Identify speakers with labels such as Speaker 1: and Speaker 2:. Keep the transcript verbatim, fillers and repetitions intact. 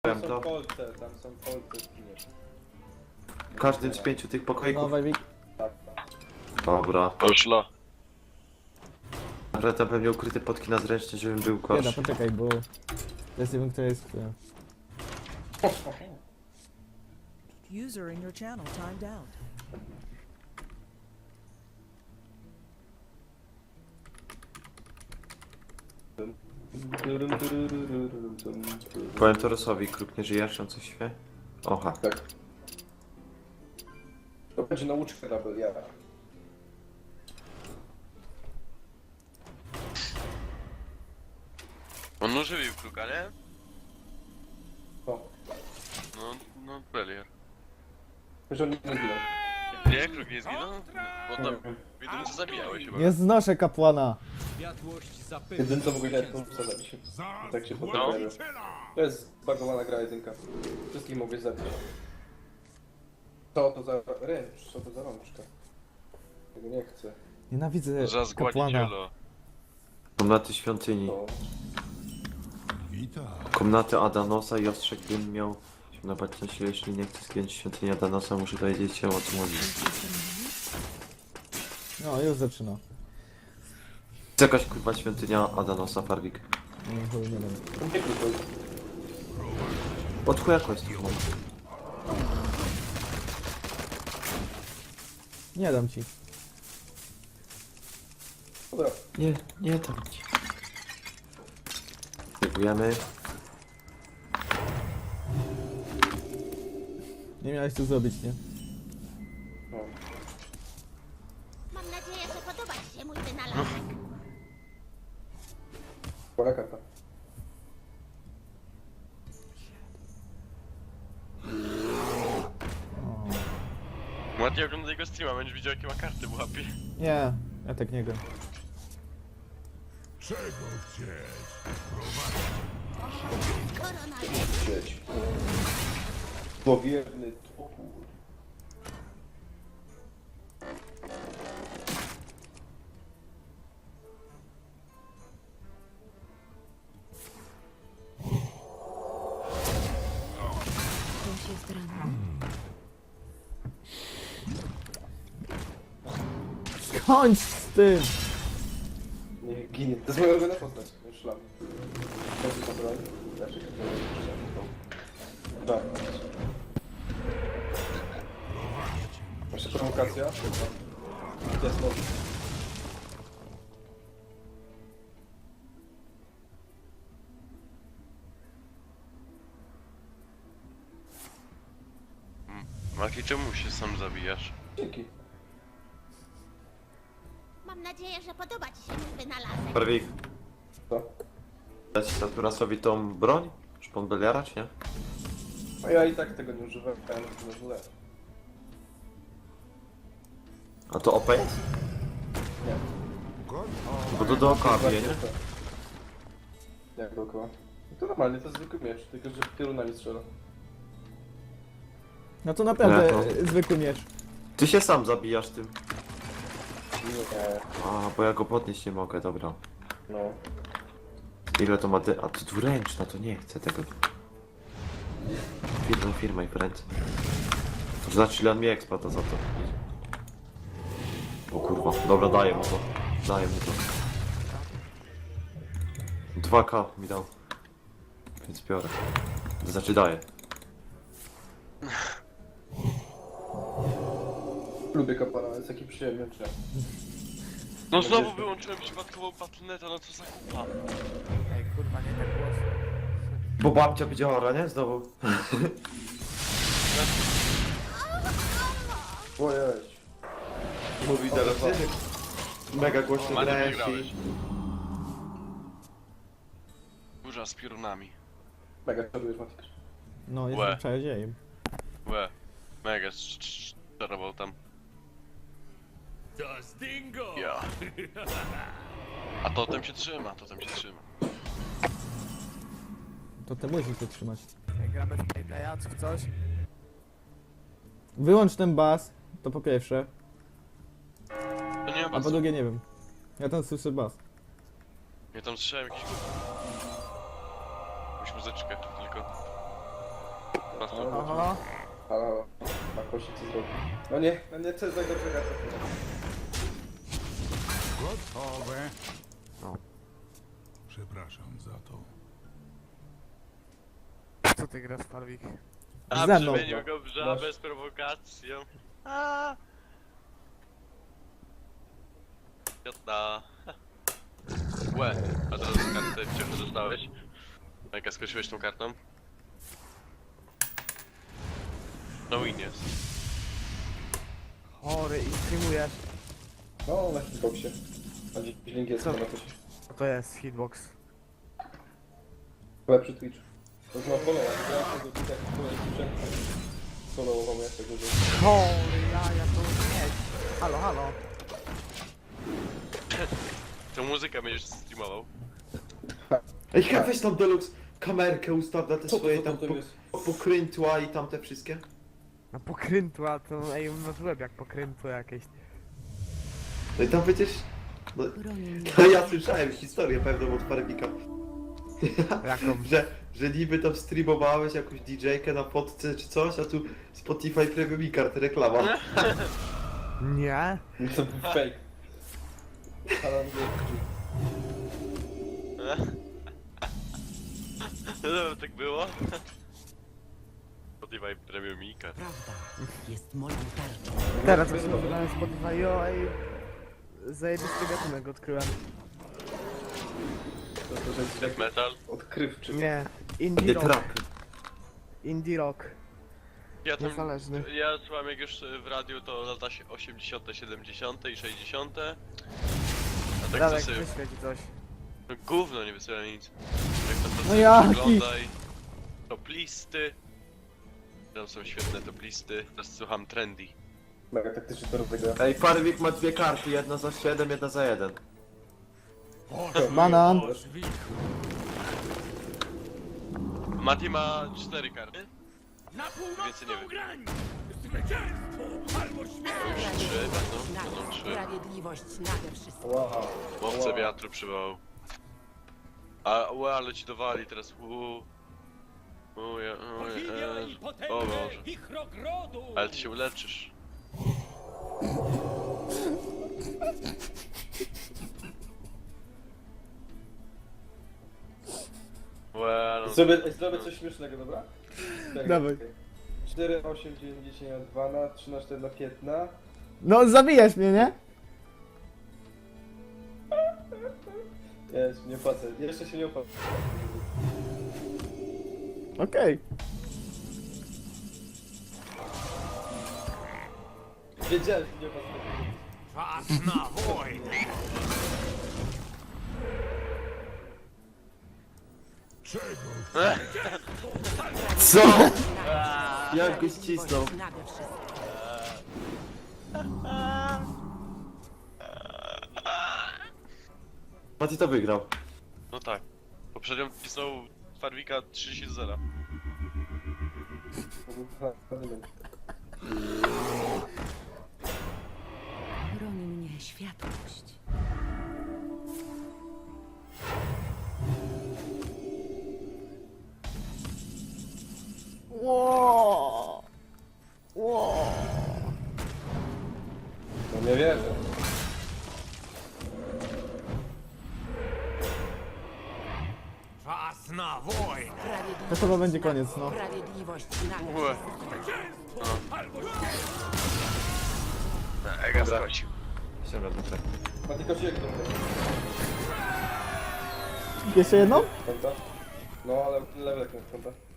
Speaker 1: Tam
Speaker 2: to.
Speaker 1: są kolce, tam są kolce w kinie.
Speaker 2: W każdym z pięciu tych pokoików.
Speaker 3: Nowe wik...
Speaker 1: Tak.
Speaker 2: Dobra.
Speaker 4: Poszło.
Speaker 2: Ale tam pewnie ukryte potki na zręczny, żebym był
Speaker 3: Bieda,
Speaker 2: gorszy.
Speaker 3: poczekaj, bo... Ja nie wiem, kto jest kto.
Speaker 5: User in your channel timed out.
Speaker 2: Powiem Torosowi, kruk nie żyjesz, on coś wie? Oha.
Speaker 1: Tak. To będzie nauczka dla Beliara.
Speaker 4: On ożywił kruka, nie?
Speaker 1: O,
Speaker 4: No, no, Belier.
Speaker 1: że on nie zginął.
Speaker 4: Nie, kruk nie zginął? Bo tam widząc zabijałeś chyba.
Speaker 3: Nie znoszę kapłana!
Speaker 1: Jedyne co mogę grać, to zabić. Tak się potem
Speaker 4: No.
Speaker 1: pojawia. To jest zbagowana gra jedynka. Wszystkich mogę zabić. Co to za ręcz? Co to za rączka? Tego nie chcę.
Speaker 3: Nienawidzę
Speaker 4: Za
Speaker 3: kapłana.
Speaker 4: zgładziciela.
Speaker 2: Komnaty świątyni.
Speaker 1: To...
Speaker 2: Komnaty Adanosa i ostrzeg bym miał się napaść na siłę, jeśli nie chcę zgiąć świątyni Adanosa, muszę dowiedzieć się o czym chodzi.
Speaker 3: No, już zaczyna.
Speaker 2: Jest jakaś kurwa świątynia Adanosa, Farwik.
Speaker 3: Nie, chuj, nie wiem.
Speaker 1: Nie krótko.
Speaker 2: Od chuja jest tu.
Speaker 3: Nie dam ci.
Speaker 1: Dobra.
Speaker 2: Nie, nie dam ci. Dziękujemy.
Speaker 3: Nie miałeś co zrobić, nie?
Speaker 1: No.
Speaker 6: Mam nadzieję, że podoba ci się mój wynalazek.
Speaker 1: Pora karta.
Speaker 3: O.
Speaker 4: Ładnie ogląda jego streama, będziesz widział jakie ma karty w łapie.
Speaker 3: Nie, ja tak nie gram.
Speaker 6: Korona
Speaker 1: Sieć. Powierny topór.
Speaker 3: Kończ z tym!
Speaker 1: Nie ginie. To jest moja ulubiona postać. Szlam. To jest kontrol. Znaczy, tak. Jeszcze prowokacja. To jest może.
Speaker 4: Maki, czemu się sam zabijasz?
Speaker 1: Dzięki.
Speaker 6: Mam nadzieję, że podoba ci się mój wynalazek.
Speaker 2: Farwik,
Speaker 1: Co?
Speaker 2: dać Saturasowi tą broń? Szpon Beliara, czy nie?
Speaker 1: A ja i tak tego nie używałem, to jest źle.
Speaker 2: A to O P jest?
Speaker 1: Nie.
Speaker 2: Bo to dookoła bije, nie?
Speaker 1: Jak dookoła? No to normalnie, to jest zwykły miecz, tylko że piorunami strzela.
Speaker 3: No to naprawdę
Speaker 2: Nie, to-
Speaker 3: e, zwykły miecz.
Speaker 2: Ty się sam zabijasz tym.
Speaker 1: Nie.
Speaker 2: A, bo ja go podnieść nie mogę, dobra.
Speaker 1: No.
Speaker 2: Ile to ma dy... A to dwuręczna, to nie chcę tego. Firma, firma i friend. To znaczy ile on mi eksploata za to. O kurwa, dobra, daję mu to. Daję mu to. dwa K mi dał. Więc biorę. To znaczy daję.
Speaker 1: Lubię kapłana, jest taki przyjemny, czy?
Speaker 4: No znowu wyłączyłem przypadkową patronetę, no co za kupa.
Speaker 7: Ej, kurwa, nie tak głośno.
Speaker 2: Bo babcia będzie ora, nie? Znowu.
Speaker 1: Ojej.
Speaker 2: Mówi teraz. Mega głośno
Speaker 4: Ładnie
Speaker 2: grałeś
Speaker 4: wygrałeś.
Speaker 2: i...
Speaker 4: Burza z piorunami.
Speaker 1: Mega czarujesz, Matik.
Speaker 3: No,
Speaker 4: Łe.
Speaker 3: jestem czarodziejem.
Speaker 4: Łe. Mega czarował tam. Ja. A totem się trzyma, totem się trzyma.
Speaker 3: To ty musisz to trzymać.
Speaker 7: Ej, gramy w playplaya, czy w coś?
Speaker 3: Wyłącz ten bas, to po pierwsze.
Speaker 4: To nie ma
Speaker 3: A po
Speaker 4: basu.
Speaker 3: drugie nie wiem. Ja tam słyszę bas.
Speaker 4: Ja tam słyszałem jakiś... Jakąś muzyczkę tylko.
Speaker 1: No,
Speaker 7: Oho.
Speaker 1: halo, halo. Ma kości co zrobi. No nie, no nie, co jest tak dobrze gada.
Speaker 8: Gotowe. Przepraszam za to.
Speaker 7: Co ty grasz, Farwik?
Speaker 4: A
Speaker 3: Ze mną.
Speaker 4: przemienił go w żabę
Speaker 1: Masz.
Speaker 4: z prowokacją. A. Jodna. Łe, a teraz kartę wciąż dostałeś. Jaka skończyłeś tą kartą? No win jest.
Speaker 7: Chory i streamujesz.
Speaker 1: No, na hitboxie. A dziś link jest
Speaker 7: Co?
Speaker 1: na coś.
Speaker 7: Co to jest hitbox?
Speaker 1: Lepszy Twitch. To jest na followa, grałem tego Twitcha, który jest sprzęt. Followował mnie tego, że...
Speaker 7: Chory, ja, ja to nie. Halo, halo.
Speaker 4: Tą muzykę będziesz streamował.
Speaker 2: Ej, chyba weź tam Deluxe kamerkę ustaw na te
Speaker 1: Co to,
Speaker 2: swoje
Speaker 1: co to,
Speaker 2: tam
Speaker 1: to
Speaker 2: po,
Speaker 1: jest?
Speaker 2: pokrętła i tam te wszystkie.
Speaker 7: Na pokrętła to, ej, masz łeb jak pokrętło jakieś.
Speaker 2: No i tam przecież... No, no ja słyszałem historię pewną od Farwika.
Speaker 7: Jaką?
Speaker 2: że, że niby tam streamowałeś jakąś didżejkę na podce czy coś, a tu Spotify Premium i kart reklama.
Speaker 7: Nie?
Speaker 1: To był fake. Ale
Speaker 4: No tak było? Spotify Premium Mika.
Speaker 5: Prawda jest moją tarczą.
Speaker 7: Teraz jak sobie na Spotify, jo, ej. Zajebisty gatunek odkryłem.
Speaker 1: to, to, że jest
Speaker 4: Death
Speaker 1: taki
Speaker 4: metal.
Speaker 1: odkrywczy.
Speaker 7: Nie. Indie
Speaker 2: Nie
Speaker 7: rock.
Speaker 2: trap.
Speaker 7: Indie rock.
Speaker 4: Ja tam,
Speaker 7: Niezależny.
Speaker 4: ja słucham jak już w radiu to lata się osiemdziesiąte, siedemdziesiąte i sześćdziesiąte. A tak
Speaker 7: Radek,
Speaker 4: to sobie...
Speaker 7: wyślę ci coś.
Speaker 4: No gówno nie wysyła nic. Jak to
Speaker 3: No
Speaker 4: sobie
Speaker 3: jaki?
Speaker 4: przeglądaj. Top listy. Tam są świetne top listy. Teraz słucham trendy.
Speaker 1: Mega taktyczny to robię.
Speaker 2: Ej, Farwik ma dwie karty, jedna za siedem, jedna za jeden.
Speaker 3: Banan.
Speaker 4: Mati ma cztery karty. Więcej nie wiem. Trzy będą, będą trzy.
Speaker 5: Sprawiedliwość nade wszystko.
Speaker 1: Wow.
Speaker 4: Łowcę
Speaker 1: wow.
Speaker 4: wiatru przywołał. A ue, ale ci dowali teraz. Uuu. Uuu, ja, uuu, e, o Boże. Ale ty się uleczysz. Ue, no.
Speaker 1: Zrobię, zrobię coś śmiesznego, dobra? Tak,
Speaker 3: Dawaj.
Speaker 1: okej. cztery, osiem, dziewięć, dziesięć na dwa na trzy na cztery na pięć na...
Speaker 3: No zabijasz mnie, nie?
Speaker 1: Jest, nie opłacę. Jeszcze się nie opłacę.
Speaker 3: Okej.
Speaker 1: Wiedziałem, że nie opłacę.
Speaker 8: Czas na wojnę. Czego?
Speaker 2: Co? Jak go ścisnął?
Speaker 5: Nade wszystko.
Speaker 2: Mati to wygrał.
Speaker 4: No tak. Poprzednio pisał Farwika trzydzieści do zera.
Speaker 5: Broni mnie światłość.
Speaker 3: Ło. Ło.
Speaker 1: No nie wierzę.
Speaker 8: Czas na wojnę.
Speaker 3: To chyba będzie koniec, no.
Speaker 5: Sprawiedliwość nade
Speaker 4: Ue. Ega skocił.
Speaker 2: Ściąga do trzech.
Speaker 1: Ma tylko się jak to
Speaker 3: Jeszcze jedną?
Speaker 1: konta? No ale level jak konta.